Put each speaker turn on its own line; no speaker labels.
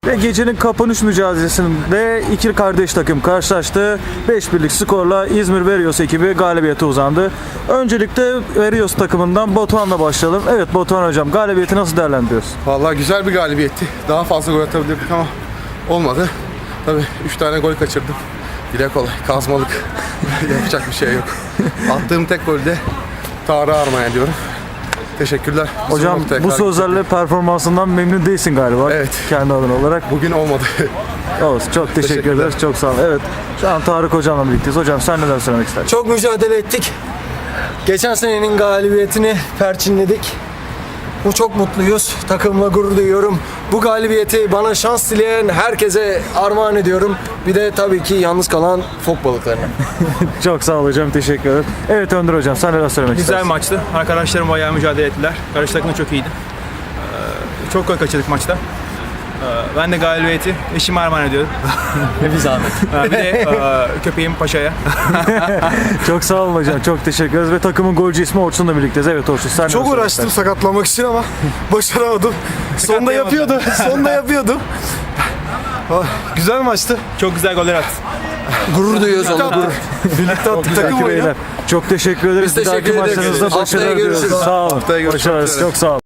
Ve gecenin kapanış mücadelesinde iki kardeş takım karşılaştı. 5-1'lik skorla İzmir Verios ekibi galibiyete uzandı. Öncelikle Verios takımından Batuhan'la başlayalım. Evet Batuhan hocam, galibiyeti nasıl değerlendiriyorsun?
Vallahi güzel bir galibiyetti. Daha fazla gol atabilirdik ama olmadı. Tabii 3 tane gol kaçırdım. Dile kolay, kazmalık. Yapacak bir şey yok. Attığım tek golde Tarık'a armağan ediyorum. Teşekkürler.
Hocam bu sözlerle performansından memnun değilsin galiba.
Evet.
Kendi adın olarak.
Bugün olmadı.
Olsun. Çok teşekkür ederiz. Çok sağ olun. Evet. Şu an Tarık hocamla birlikteyiz. Hocam sen neler söylemek istersin?
Çok mücadele ettik. Geçen senenin galibiyetini perçinledik. Bu çok mutluyuz. Takımla gurur duyuyorum. Bu galibiyeti bana şans dileyen herkese armağan ediyorum. Bir de tabii ki yalnız kalan fok balıklarına.
Çok sağ ol hocam. Teşekkür ederim. Evet Önder hocam sen neler söylemek
Güzel
istersin?
maçtı. Arkadaşlarım bayağı mücadele ettiler. Karşı takım da çok iyiydi. Çok gol kaçırdık maçta. Ben de galibiyeti eşime armağan ediyorum.
Bir zahmet.
Bir de köpeğim Paşa'ya.
Çok sağ olun hocam. Çok teşekkür ederiz. Ve takımın golcü ismi Orçun'la birlikteyiz. Evet Orçun sen neler
Çok
söylemek
uğraştım
istersin?
sakatlamak için ama başaramadım. Sonda yapıyordu. Sonda yapıyordu. Güzel maçtı.
Çok güzel goller attı.
Gurur duyuyoruz ona.
Birlikte attık
Peki
takım oyunu.
beyler. Çok teşekkür ederiz.
Biz
Bir dahaki
teşekkür ederiz.
maçlarınızda
Haftaya
başarılar
görüşürüz.
diliyoruz. Sağ olun.
Haftaya görüşmek
Başarılar.
üzere.
Çok sağ olun.